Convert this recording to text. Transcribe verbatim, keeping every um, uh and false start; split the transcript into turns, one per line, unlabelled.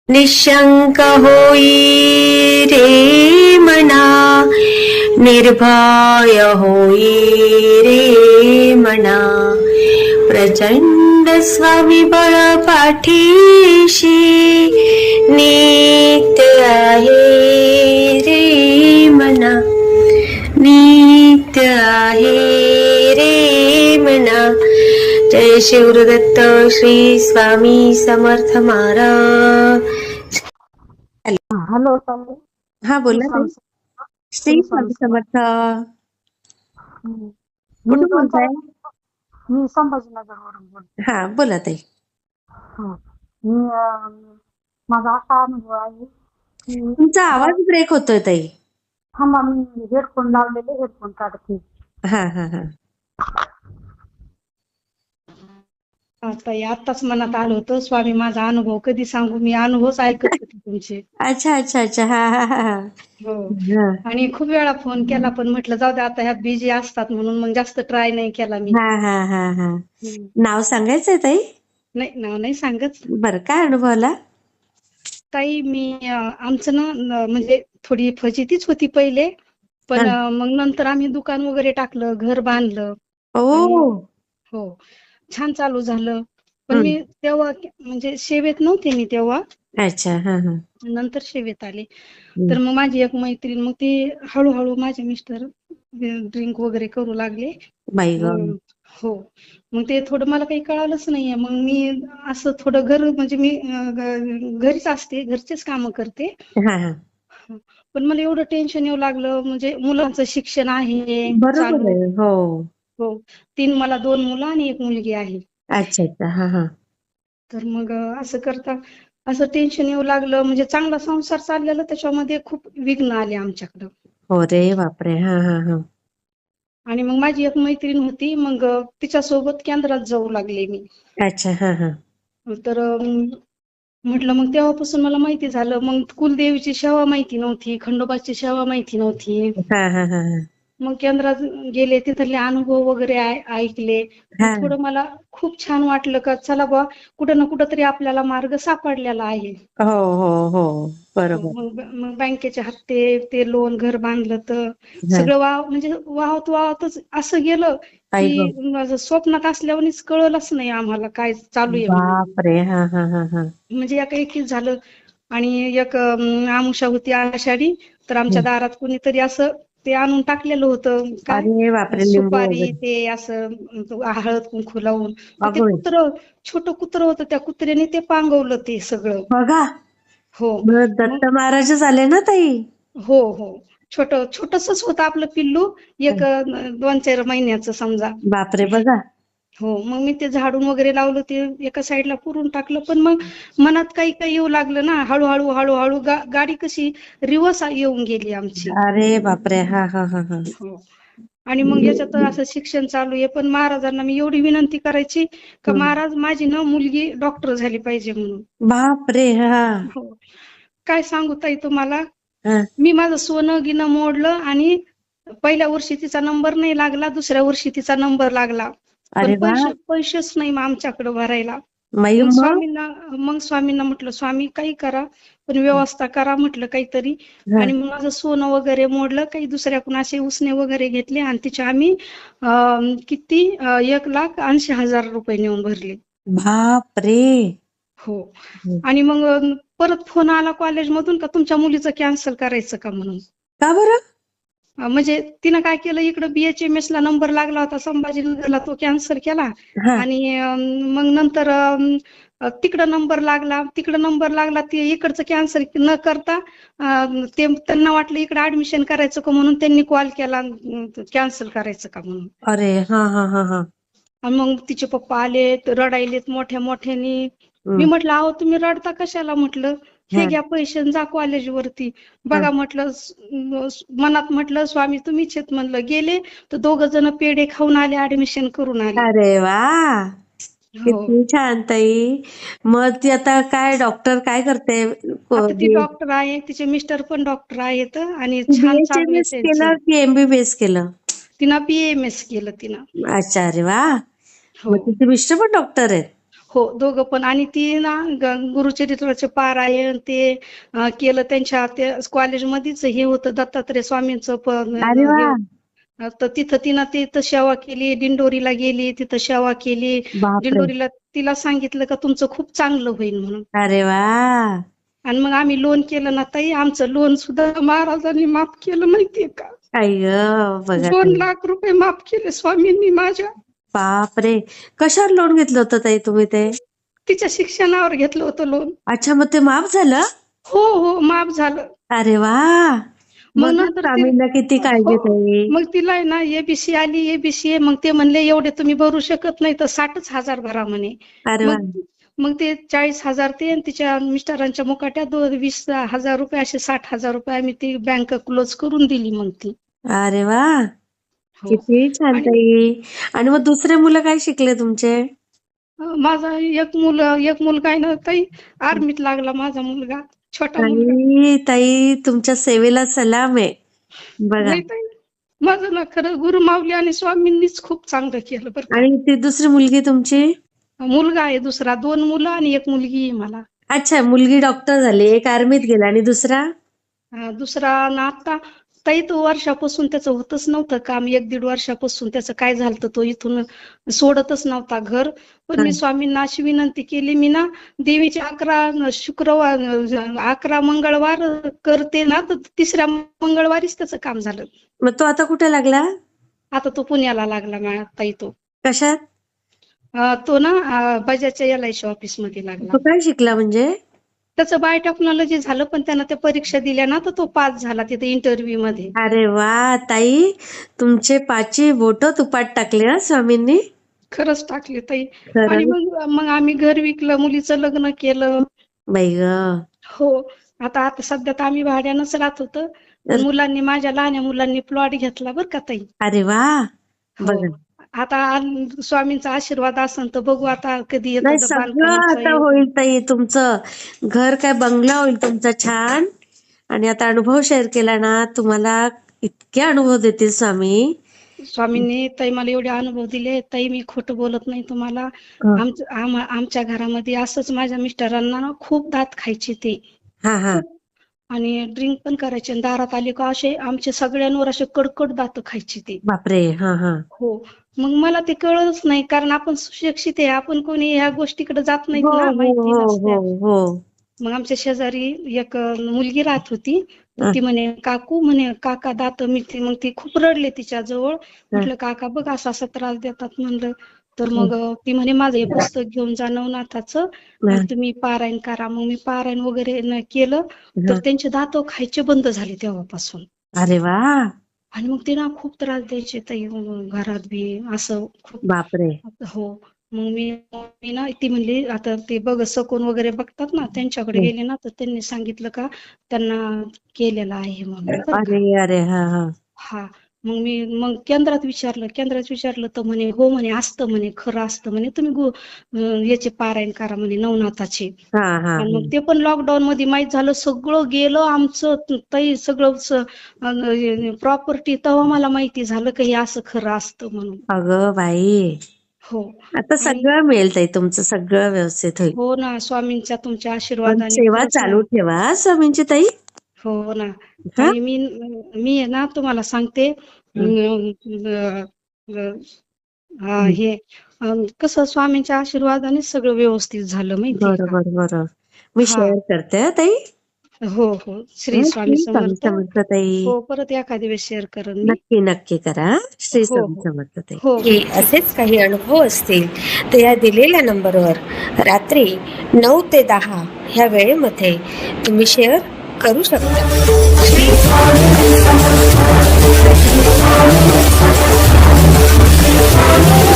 निशंक होई रे मना, निर्भय होई रे मना, प्रचंड स्वामीबळ पाठीशी नित्य आहे रे मना, नित्य आहे रे मना. जय शिवदत्त श्री स्वामी समर्थ महाराज.
हॅलो ताई.
हा बोला ताई. श्री
श्री
स्वामी
स्वामी
समर्थ.
हम्म. मी
कुठून
दोन
बोलताय?
चार मी संभाजीनगरवरून बोलते.
हा बोला ताई.
हं. मी अं, माझा असा अनुभव आहे की
तुमचा
ब-
आवाज ब्रेक होतोय ताई.
थांबा, मी हेडफोन लावलेले, हेडफोन काढते.
हा हा हा
ताई आत्ताच मनात आलं होतं, स्वामी माझा अनुभव कधी सांगू, मी अनुभवच ऐकत होते तुमचे.
अच्छा अच्छा अच्छा. हा हा हा हा.
हो.
हा
आणि खूप वेळा फोन केला पण म्हटलं जाऊ दे, आता ह्या बिझी असतात म्हणून मग जास्त ट्राय नाही केला मी.
हा हा हा हा.
हम्म.
नाव सांगायचंय ताई?
नाही, नाव नाही सांगत.
बरं, काय अनुभव आला?
ताई मी अं, आमचं ना न- म्हणजे थोडी फजितीच होती पहिले, पण
हा.
अं, मग नंतर आम्ही दुकान वगैरे टाकलं, घर बांधलं आणि
ओ.
हो छान चालू झालं. पण
हम्म.
मी तेव्हा म्हणजे सेवेत नव्हते मी तेव्हा,
अच्छा. हा हा.
नंतर सेवेत आले.
हम्म.
तर मग माझी एक मैत्रीण, मग ती हळूहळू माझे मिस्टर ड्रिंक वगैरे करू लागले.
बाई ग.
मग हो, मग ते थोडं मला काही कळालंच नाहीये. मग मी असं थोडं घर म्हणजे मी अं, ग- घरीच असते, घरचेच कामं करते.
हा हा.
पण मला एवढं टेन्शन येऊ लागलं, म्हणजे मुलांचं शिक्षण आहे
बरोबर
चालू.
आहे. हो.
हो, तीन मला दोन मुलं आणि एक मुलगी आहे.
अच्छा अच्छा. हा हा.
तर मग अं, असं करता असं टेन्शन येऊ लागलं, म्हणजे चांगला संसार चाललेला, त्याच्यामध्ये खूप विघ्न आले आमच्याकडं.
हो रे बापरे. हा हा हा.
आणि मग माझी एक मैत्रीण होती, मग अं, तिच्यासोबत केंद्रात जाऊ लागले मी.
अच्छा. हा हा.
तर अं, म्हटलं मग तेव्हापासून मला माहिती झालं. मग कुलदेवीची सेवा माहिती नव्हती, खंडोबाची सेवा माहिती नव्हती.
हा हा हा हा.
मग केंद्रात गेले, तिथले अनुभव वगैरे ऐ- ऐकले. मग
हा.
थोडं मला खूप छान वाटलं का चला बा, कुठं ना कुठं तरी आपल्याला मार्ग सापडलेला आहे.
हो हो हो.
हो,
बरोबर.
मग मग बँकेचे हप्ते, ते लोन, घर बांधलं, तर
हा.
सगळं वाव म्हणजे वाहत वाहतच असं गेलं
आई
की
ग.
माझं स्वप्नात असल्यावानीच कळलंच नाही आम्हाला काय चालू आहे म्हणून.
बापरे. हा हा हा हा.
म्हणजे एका एकीच झालं. आणि एक अं, आमुषा होती आषाढी, तर आमच्या
हम्म.
दारात कुणीतरी असं ते आणून टाकलेलं होतं, काय
अरे बापरे. लिंबू
सुपारी,
वगैरे.
ते असं अं, हळद कुंकू लावून. तर ते
अगं बाई.
कुत्रं, छोटं कुत्रं होतं, त्या कुत्र्याने ते पांगवलं ते सगळं.
बघा.
हो.
मग
मग
दत्त महाराजच आले ना ताई.
हो हो, छोट छोटसच होतं आपलं पिल्लू, एक अं, दोन चार महिन्याचं समजा.
बापरे. बघा.
हो, मग मी ते झाडून वगैरे लावलं, ते एका साईडला पुरून टाकलं. पण मग मनात काही काही येऊ लागलं ना, हळूहळू हळूहळू गा, गाडी कशी रिवर्स येऊन गेली आमची.
अरे बापरे. हा हा हा हा.
हो. आणि मग याच्यात असं शिक्षण चालू आहे, पण महाराजांना मी एवढी विनंती करायची का
हम्म.
महाराज, माझी ना मुलगी डॉक्टर झाली पाहिजे म्हणून.
बापरे. हा
हो, काय सांगू ताई तुम्हाला,
हा.
मी माझं सोनं गिनं मोडलं, आणि पहिल्या वर्षी तिचा नंबर नाही लागला, दुसऱ्या वर्षी तिचा नंबर लागला, पण
अरे वा.
पैसे पैसेच नाही मग आमच्याकडे भरायला.
मग
मग
मग
स्वामींना मग स्वामींना म्हटलं, स्वामी काही करा, पण व्यवस्था करा म्हटलं काहीतरी.
हा.
आणि मग माझं सोनं वगैरे मोडलं, काही दुसऱ्याकडून असे उसने वगैरे घेतले, आणि तिचे आम्ही अं, किती अं, एक लाख ऐंशी हजार रुपये नेऊन भरले.
बापरे.
हो. आणि मग अं, परत फोन आला कॉलेजमधून का तुमच्या मुलीचं कॅन्सल करायचं का म्हणून.
का बरं?
अं, म्हणजे तिनं काय केलं, इकडं बीएचएमएस ला नंबर लागला होता संभाजीनगरला, तो कॅन्सल केला.
हा.
आणि अं, मग नंतर अं, तिकडं नंबर लागला, तिकडं नंबर लागला, ते इकडचं कॅन्सल न करता अं, ते त्यांना वाटलं इकडे ऍडमिशन करायचं का, म्हणून त्यांनी कॉल केला कॅन्सल करायचं का म्हणून.
अरे. हा हा हा हा.
आणि मग तिचे पप्पा आलेत, रडायलेत मोठ्या मोठ्यानी. मी
हम्म.
म्हटलं, अहो तुम्ही रडता कशाला म्हटलं, हे
हा.
घ्या पैसे आणि जा कॉलेजवरती.
हा.
बघा म्हटलं, स- मनात म्हटलं स्वामी तुम्हीच आहेत म्हणलं. गेले तर दोघ जण पेढे खाऊन आले, ऍडमिशन करून आले.
अरे वा.
हो,
किती छान ताई. मग ती आता काय डॉक्टर काय करते?
आता ती डॉक्टर आहे, तिचे मिस्टर पण डॉक्टर आहेत, आणि छान चालू आहे
बीएचएमएस
त्यांचं.
केलं की एमबीबीएस केलं?
तिनं बीएमएस केलं तिनं.
अच्छा. अरे वा.
हो
मग तिचे मिस्टर पण डॉक्टर आहेत?
हो दोघं पण. आणि ती ना ग- गुरुचरित्राचे पारायण ते अं, केलं त्यांच्या ते कॉलेजमध्येच हे होतं दत्तात्रय स्वामींचं पण
अरे
हे
वा.
होतं. तर तिथं तिनं तिथं सेवा केली, दिंडोरीला गेली तिथं सेवा केली.
बापरे.
दिंडोरीला तिला सांगितलं का तुमचं खूप चांगलं होईल म्हणून.
अरे वा.
आणि मग आम्ही लोन केलं ना ताई, आमचं लोन सुद्धा महाराजांनी माफ केलं माहितीये का?
आई ग. बघा
दोन
ताई.
लाख रुपये माफ केले स्वामींनी माझ्या.
बापरे. कशावर लोन घेतलं होतं ताई तुम्ही ते?
तिच्या शिक्षणावर घेतलं होतं लोन.
अच्छा, मग ते माफ झालं?
हो हो माफ झालं.
अरे वा.
मग
बघा
नंतर ते
स्वामींना किती काळजी
हो
ताई.
मग तिला आहे ना एबीसी आली, एबीसी आहे. मग ते म्हणले एवढे तुम्ही भरू शकत नाही तर साठच हजार भरा म्हणे.
अरे वा.
मग मग ते चाळीस हजार ते आणि तिच्या मिस्टरांच्या मुकाट्या दोन वीस हजार रुपये असे साठ हजार रुपये आम्ही ती बँक क्लोज करून दिली मग ती.
अरे वा.
हो.
किती छान
आणि
ताई. आणि मग दुसरे मुलं काय शिकले तुमचे?
अं, माझा एक मुलं एक मुलगा आहे ना ताई, आर्मीत लागला माझा मुलगा, छोटा मुलगा.
आणि ताई तुमच्या सेवेला सलाम आहे. बघा.
नाही ताई, माझं ना खरं गुरु माऊली आणि स्वामींनीच खूप चांगलं केलं बरं का.
आणि ती दुसरी मुलगी तुमची?
मुलगा आहे दुसरा, दोन मुलं आणि एक मुलगी आहे मला.
अच्छा, मुलगी डॉक्टर झाली, एक आर्मीत गेला आणि दुसरा?
अं, दुसरा ना आता ताई तो वर्षापासून त्याचं होतच नव्हतं काम. एक दीड वर्षापासून त्याचं काय झालं तो इथून सोडतच नव्हता घर. पण मी
हा.
स्वामींना अशी विनंती केली, मी ना देवीचे अकरा शुक्रवार अकरा मंगळवार करते ना, तर तिसऱ्या मंगळवारीच त्याचं काम झालं.
मग तो आता कुठे लागला?
आता तो पुण्याला लागला मा- ताई तो.
कशात?
अं, तो ना अं, बजाजच्या एल आय सी ऑफिस मध्ये लागला.
तो काय शिकला म्हणजे?
त्याचं बायोटेक्नॉलॉजी झालं, पण त्यानं त्या परीक्षा दिल्या ना तर तो पास झाला तिथे इंटरव्ह्यू मध्ये.
अरे वा ताई, तुमचे पाची बोट तुपात टाकले हा स्वामींनी.
खरंच टाकले ताई. आणि
खरं
मग मग आम्ही घर विकलं, मुलीचं लग्न केलं.
बाई ग.
हो. आता आता सध्या तर आम्ही भाड्यानंच राहत होतो. पण मुलांनी माझ्या लहान्या मुलांनी प्लॉट घेतला बरं का ताई.
अरे वा.
हो.
बघा.
आता आन- स्वामींचा आशीर्वाद असेल तर बघू आता कधी
नाही,
येतं
सगळं
बांधकामाचं
आता
हे.
होईल ताई. तुमचं घर काय बंगला होईल तुमचा छान. आणि आता अनुभव शेअर केला ना, तुम्हाला इतके अनुभव देतील स्वामी.
स्वामींनी ताई मला एवढे अनुभव दिले ताई, मी खोटं बोलत नाही तुम्हाला.
हा
आमच्या आम- आमच्या घरामध्ये असंच माझ्या मिस्टरांना ना खूप दात खायचे ते.
हा हा.
आणि ड्रिंक पण करायचे. आणि दारात आले का असे आमचे सगळ्यांवर असे कडकड दात खायचे ते.
बापरे. हा हा.
हो. मग मला ते कळलंच नाही, कारण आपण सुशिक्षित आहे, आपण कोणी ह्या गोष्टीकडे जात नाहीत
हो
ना,
हो
माहिती
हो
नसत्या.
हो हो.
मग आमच्या शेजारी एक अं, मुलगी राहत होती. तर
हा,
ती म्हणे काकू म्हणे काका दात मी ती मग ती खूप रडले तिच्या जवळ.
हा,
म्हटलं काका बघ असा असा त्रास देतात म्हणलं. तर
हा,
मग अं, ती म्हणे माझं हे पुस्तक घेऊन जा नवनाथाचं
हा,
आणि तुम्ही पारायण करा. मग मी पारायण वगैरे न केलं
हा.
तर त्यांचे दात खायचे बंद झाले तेव्हापासून.
अरे वा.
आणि मग ते ना खूप त्रास द्यायचे ताई अं, घरात बी असं खूप.
बापरे.
हो. मग मी मी ना ती म्हणली आता ते बघ सकून वगैरे बघतात ना, त्यांच्याकडे गेले ना तर त्यांनी सांगितलं का त्यांना केलेलं आहे म्हणून बरं का.
अरे अरे. हा हा.
हा. मग मी मग केंद्रात विचारलं केंद्रात विचारलं तर म्हणे हो म्हणे असतं म्हणे, खरं असतं म्हणे, तुम्ही गु अं, याचे पारायण करा म्हणे नवनाथाचे.
हा हा.
आणि मग ते पण लॉकडाऊन मध्ये माहित झालं, सगळं गेलं आमचं ताई सगळं प्रॉपर्टी. तेव्हा मला माहिती झालं की हे असं खरं असतं म्हणून.
अगं बाई.
हो.
आता
आणि
सगळं मिळेल ताई, तुमचं सगळं व्यवस्थित होईल.
हो ना, स्वामींच्या तुमच्या
पण
आशीर्वादाने
सेवा
खरंच ना.
चालू ठेवा हा स्वामींची ताई.
हो ना.
हा.
आणि मी मी आहे ना तुम्हाला सांगते
हं,
अं, अं, अं, हा
हं.
हे अं, कसं स्वामींच्या आशीर्वादाने सगळं व्यवस्थित झालं माहितीये का.
बरोबर बरोबर. मी
हा.
शेअर करते हा ताई.
हो हो. श्री
हा,
स्वामी
श्री स्वामी
समर्थ.
समर्थ ताई.
हो, परत एखाद्या वेळेस शेअर करेन मी.
नक्की नक्की करा हा. श्री
हो
स्वामी
हो
समर्थ ताई.
हो
हे
हो. ठीक.
असेच काही अनुभव असतील तर या दिलेल्या नंबरवर रात्री नऊ ते दहा ह्या वेळेमध्ये तुम्ही शेअर करू शकता. श्री स्वामी समर्थ.